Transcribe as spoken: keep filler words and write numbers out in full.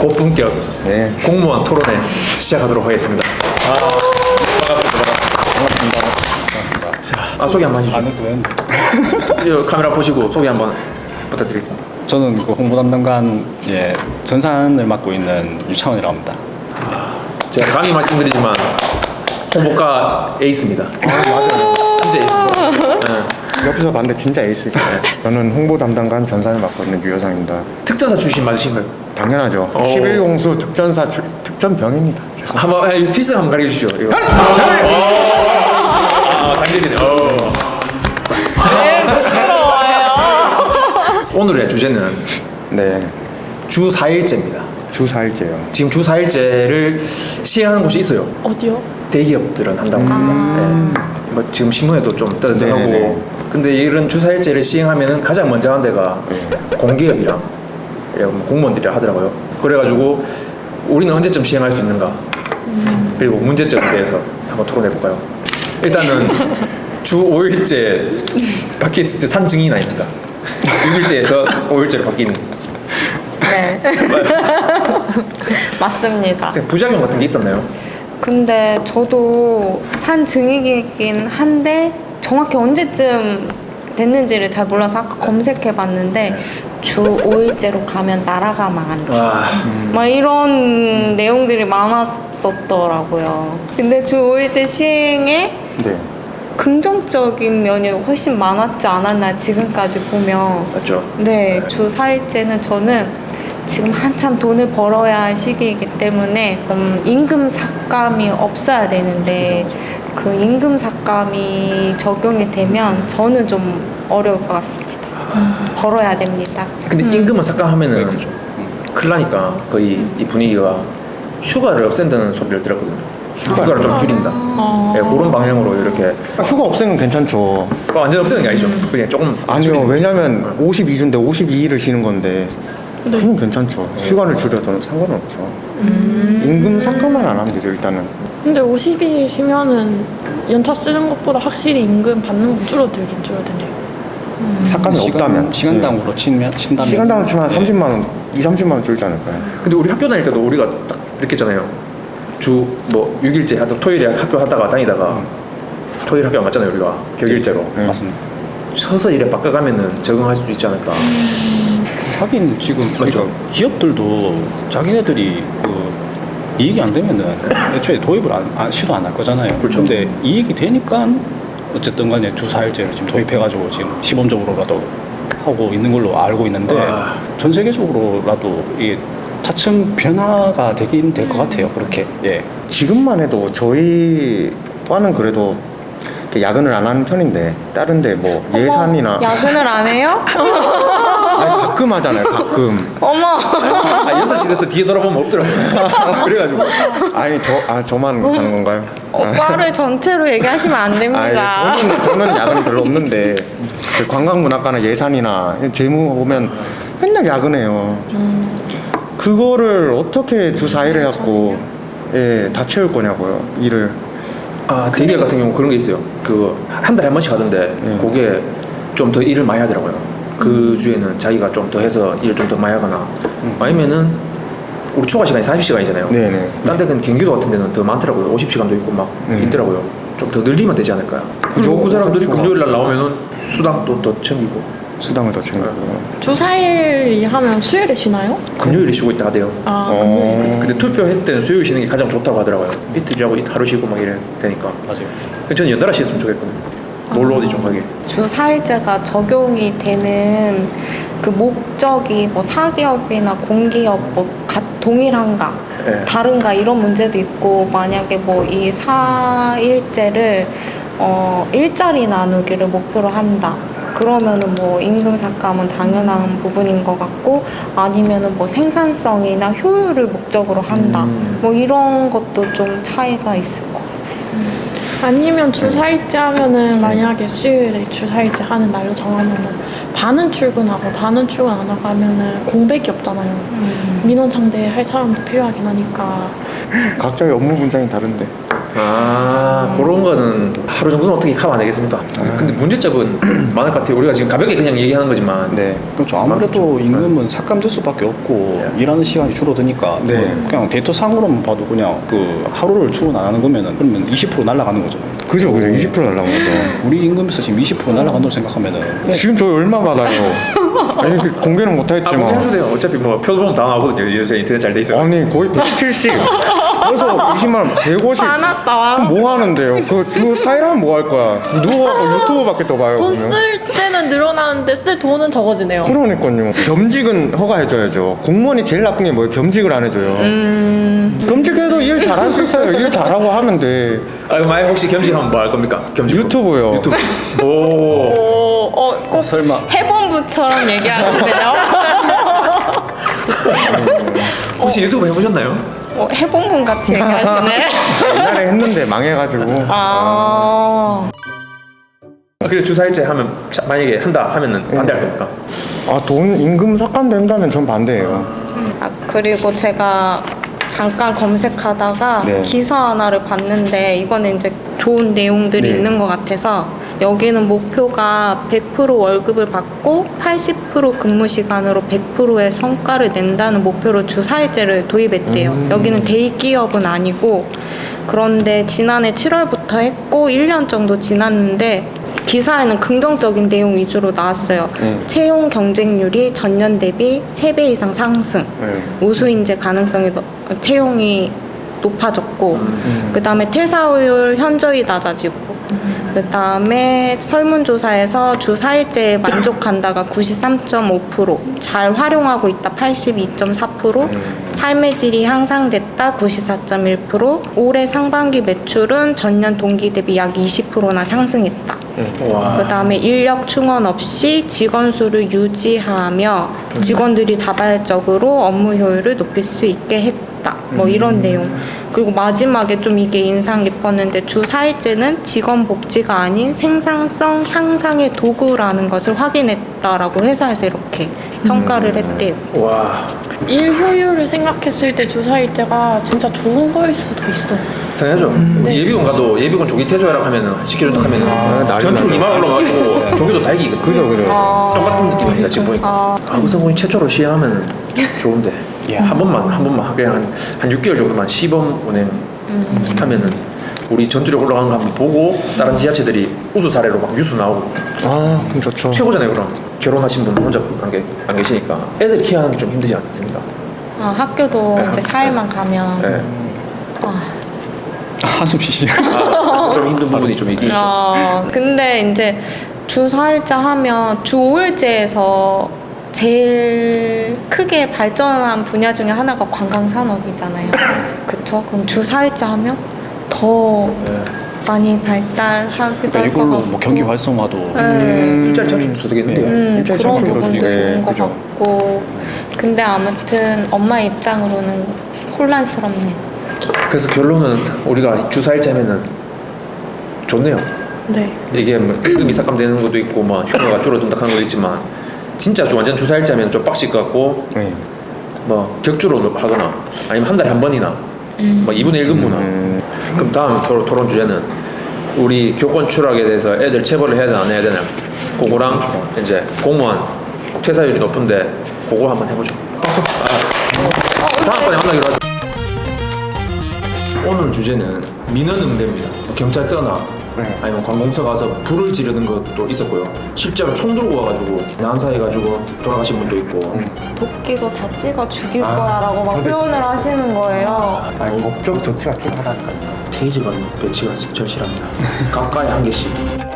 고품격 네. 공무원 토론회 시작하도록 하겠습니다. 아, 반갑습니다. 반갑습니다. 반갑습니다. 자, 아, 소개 한번 해주시죠. 아는 분. 이 카메라 보시고 소개 한번 부탁드리겠습니다. 저는 그 홍보 담당관 예, 전산을 맡고 있는 유창원이라고 합니다. 제가 감히 말씀드리지만 홍보과 에이스입니다. 아, 맞아요. 진짜 에이스입니다. 네. 옆에서 봤는데 진짜 에이스죠. 저는 홍보 담당관 전산을 맡고 있는 유효상입니다. 특전사 출신 맞으신가요? 당연하죠. 오. 십일 공수 특전사 출, 특전병입니다. 죄송합니다. 한번 아, 이 필승 한번 가르쳐 주시죠. 이거. 아, 단계이네. 어. 오늘의 주제는 네. 주 사 일제입니다. 주 사 일제요. 지금 주 사 일제를 시행하는 곳이 있어요. 어디요? 대기업들은 한다고 합니다. 네. 뭐 지금 신문에도 좀 떠서 네네네. 하고. 근데 이런 주 사 일제를 시행하면은 가장 먼저 하는 데가 네. 공기업이랑 뭐 공무원들이라 하더라고요. 그래가지고 우리는 언제쯤 시행할 수 있는가? 그리고 문제점에 대해서 한번 토론해 볼까요? 일단은 주 오 일제 바뀌었을 때 산 증인이나 있는가? 육 일제에서 오 일제로 바뀐 네. 맞습니다. 부작용 같은 게 있었나요? 근데 저도 산 증이긴 한데 정확히 언제쯤 됐는지를 잘 몰라서 아까 검색해 봤는데 주 오 일제로 가면 나라가 망한다. 와, 막 이런 내용들이 많았었더라고요. 근데 주 오 일제 시행에 네. 긍정적인 면이 훨씬 많았지 않았나 지금까지 보면. 맞죠? 네, 주 사 일제는 저는 지금 한참 돈을 벌어야 할 시기이기 때문에 음, 임금 삭감이 없어야 되는데 그 임금 삭감이 적용이 되면 저는 좀 어려울 것 같습니다. 벌어야 됩니다. 근데 음. 임금을 삭감하면은 네, 그죠. 큰일 나니까 거의 이 분위기가 휴가를 없앤다는 소리를 들었거든요. 휴가를 좀 줄인다. 어. 네, 그런 방향으로 이렇게 휴가 없애는 괜찮죠. 완전 없애는 게 아니죠. 그냥 조금 아니요. 줄이는 왜냐면 오십이 주인데 오십이 일을 쉬는 건데 그건 괜찮죠. 휴가를 줄여도 상관없죠. 음. 임금 삭감만 안 하면 되죠. 일단은. 근데 오십 일 쉬면은 연차 쓰는 것보다 확실히 임금 받는 건 줄어들긴 줄어드네요. 삭감이 없다면 시간당으로 치면 네. 친다면 시간당으로 치면 한 네. 삼십만 원, 이, 삼십만 원 줄지 않을까요? 근데 우리 학교 다닐 때도 우리가 딱 느꼈잖아요. 주 뭐 육 일제 하다 토요일에 학교 하다가 다니다가 토요일 학교 안 갔잖아요. 우리가 격일제로. 네. 맞습니다. 서서 일에 바꿔가면은 적응할 수 있지 않을까. 하긴 지금 그러니까 기업들도 자기네들이 그 이익이 안 되면은 애초에 도입을 안, 안 시도 안 할 거잖아요. 그렇죠. 근데 이익이 되니까 어쨌든 간에 주 사 일제를 지금 도입해가지고 지금 시범적으로라도 하고 있는 걸로 알고 있는데 와. 전 세계적으로라도 이 차츰 변화가 되긴 될 것 같아요. 그렇게 예. 지금만 해도 저희 과는 그래도 이렇게 야근을 안 하는 편인데 다른데 뭐 예산이나 야근을 안 해요? 아니, 가끔 하잖아요. 가끔. 어머. 아, 여섯 시 돼서 뒤에 돌아보면 없더라고요. 그래가지고. 아니 저 아 저만 하는 건가요? 오빠를 전체로 얘기하시면 안 됩니다. 아니, 저는 저는 야근이 별로 없는데 그 관광문화과나 예산이나 재무 보면 맨날 야근해요. 그거를 어떻게 주 사 일에 해갖고 예, 다 채울 거냐고요 일을. 아, 대기업 같은 경우 그런 게 있어요. 그 한 달에 한 번씩 하던데 네. 그게 좀 더 일을 많이 하더라고요. 그 주에는 자기가 좀 더 해서 일을 좀 더 많이 하거나 아니면은 우리 초과 시간이 사십 시간이잖아요. 네네. 딴 데는 경기도 같은 데는 더 많더라고요. 오십 시간도 있고 막 네. 있더라고요. 좀 더 늘리면 되지 않을까요? 그리고 그 사람들이 금요일 날 나오면은 수당도 더 챙기고 수당을 더 챙기고. 주 사 일이 하면 수요일에 쉬나요? 금요일에 쉬고 있다 하대요. 아, 어. 근데 투표했을 때는 수요일 쉬는 게 가장 좋다고 하더라고요. 이틀이라고 이 하루 쉬고 막 이래 되니까. 맞아요. 저는 연달아 쉬었으면 좋겠거든요. 놀러 어디 좀 가게. 주 사 일제가 적용이 되는 그 목적이 뭐 사기업이나 공기업 뭐 가, 동일한가 네. 다른가 이런 문제도 있고 만약에 뭐 이 사 일제를 어 일자리 나누기를 목표로 한다 그러면은 뭐 임금 삭감은 당연한 부분인 것 같고 아니면은 뭐 생산성이나 효율을 목적으로 한다 음. 뭐 이런 것도 좀 차이가 있을 것 같아요. 아니면 주 사 일제 하면은 만약에 수요일에 주 사 일제 하는 날로 정하면은 반은 출근하고 반은 출근 안 하고 하면은 공백이 없잖아요. 민원 상대할 사람도 필요하긴 하니까. 각자의 업무 분장이 다른데. 아 그런 거는 하루 정도는 어떻게 커버 안 되겠습니까? 근데 문제점은 많을 것 같아요. 우리가 지금 가볍게 그냥 얘기하는 거지만 네. 그렇죠. 아무래도 임금은 삭감될 수밖에 없고 일하는 시간이 줄어드니까 네. 뭐 그냥 데이터 상으로만 봐도 그냥 그 하루를 출근 안 하는 거면은 그러면 이십 퍼센트 날아가는 거잖아요. 그죠, 그죠. 이십 퍼센트 날라간 거죠. 우리 임금에서 지금 이십 퍼센트 날아간다고 생각하면은 지금 저희 얼마 받아요? 아니, 그 공개는 아 못하겠지만. 공개해도 돼요. 어차피 뭐 표 보면 다 나오거든요. 요새 인터넷 잘 돼 있어요. 아니, 거의 백칠십. 그래서 이십만 원, 백오십. 많았다. 뭐 하는데요? 그 주 사 일 하면 뭐 할 거야? 누워 유튜브밖에 더 봐요. 돈 그러면. 쓸 때는 늘어나는데 쓸 돈은 적어지네요. 그러니까요. 겸직은 허가해줘야죠. 공무원이 제일 나쁜 게 뭐예요? 겸직을 안 해줘요. 음. 겸직해도 일 잘할 수 있어요. 일 잘하고 하면 돼. 아 만약 혹시 겸직하면 뭐 할 겁니까? 겸직 유튜브요. 유튜브. 오. 오, 어, 꼭 설마 해본부처럼 얘기하시네요. 혹시 유튜브 해보셨나요? 어, 해본분 같이 얘기하시네. 옛날에 했는데 망해가지고. 아. 아, 그래 주사일제 하면 자, 만약에 한다 하면은 반대할 겁니까? 아, 돈 임금 삭감된다면 전 반대예요. 아, 그리고 제가 잠깐 검색하다가 네. 기사 하나를 봤는데 이거는 이제 좋은 내용들이 네. 있는 것 같아서 여기는 목표가 백 퍼센트 월급을 받고 팔십 퍼센트 근무 시간으로 백 퍼센트의 성과를 낸다는 목표로 주 사 일제를 도입했대요. 음. 여기는 대기업은 아니고 그런데 지난해 칠월부터 했고 일 년 정도 지났는데 기사에는 긍정적인 내용 위주로 나왔어요. 네. 채용 경쟁률이 전년 대비 세 배 이상 상승. 네. 우수 인재 가능성이 너- 채용이 높아졌고 음. 그 다음에 퇴사율 현저히 낮아지고 그 다음에 설문조사에서 주 사 일제에 만족한다가 구십삼 점 오 퍼센트 잘 활용하고 있다 팔십이 점 사 퍼센트 삶의 질이 향상됐다 구십사 점 일 퍼센트 올해 상반기 매출은 전년 동기 대비 약 이십 퍼센트나 상승했다. 와. 그 다음에 인력 충원 없이 직원 수를 유지하며 직원들이 자발적으로 업무 효율을 높일 수 있게 했다. 뭐 이런 내용. 그리고 마지막에 좀 이게 인상 깊었는데 주 사 일제는 직원 복지가 아닌 생산성 향상의 도구라는 것을 확인했다라고 회사에서 이렇게 평가를 했대요. 와. 일 효율을 생각했을 때 주 사 일제가 진짜 좋은 거일 수도 있어요. 당연하죠. 우리 예비군 가도 예비군 조기 퇴소해라 하면은 시켜준다 하면은 아, 난리 전투로 나죠. 이만 올라가지고 조기도 달기거든. 그죠, 그죠. 똑같은 느낌입니다 지금 보니까. 아. 아구성군이 최초로 시행하면 좋은데 예. 한 번만 한 번만 그냥 한, 한 육 개월 정도만 시범 운행 하면은 우리 전투력 올라가는 거 한번 보고 다른 지자체들이 우수 사례로 막 뉴스 나오고 아, 그럼 좋죠. 최고잖아요. 그럼 결혼하신 분 혼자 안, 계, 안 계시니까 애들 키우는 좀 힘들지 않습니까? 아, 학교도 네, 이제 학교. 사 일만 가면 네. 아, 한숨 쉬시네. 아, 좀 힘든 부분이 좀 있긴 있죠. 어, 근데 이제 주 사 일제 하면 주 오 일제에서 제일 크게 발전한 분야 중에 하나가 관광산업이잖아요. 그쵸? 그럼 주 사 일제 하면 더 네. 많이 발달하기도 그러니까 할 것 이걸로 같고 뭐 경기 활성화도 네. 일자리 창출도 되겠는데요. 음, 일자리 그런 창출도 부분도 네, 있는 것 그죠. 같고 근데 아무튼 엄마 입장으로는 혼란스럽네요. 그래서 결론은 우리가 주 사 일제 하면은 좋네요. 네. 이게 뭐 임금이 삭감되는 것도 있고 뭐 휴가가 줄어든다 하는 것도 있지만 진짜 좀 완전 주 사 일제 하면 좀 빡실 것 같고 네. 뭐 격주로 하거나 아니면 한 달에 한 번이나 뭐 이분의 일 근무나 음. 그럼 다음 토론, 토론 주제는 우리 교권 추락에 대해서 애들 체벌을 해야 되나 안 해야 되나 그거랑 이제 공무원 퇴사율이 높은데 그거 한번 해보죠. 아, 다음번에 만나기로 하죠. 오늘 주제는 민원응대입니다. 경찰서나 네. 아니면 관공서 가서 불을 지르는 것도 있었고요. 실제로 총 들고 와가지고 난사해가지고 돌아가신 분도 있고 도끼로 다 찍어 죽일 아, 거야라고 막 저도 표현을 있었어요. 하시는 거예요. 아니, 법적 조치가 필요하다니까요. 테이즈건 배치가 절실합니다. 가까이 한 개씩.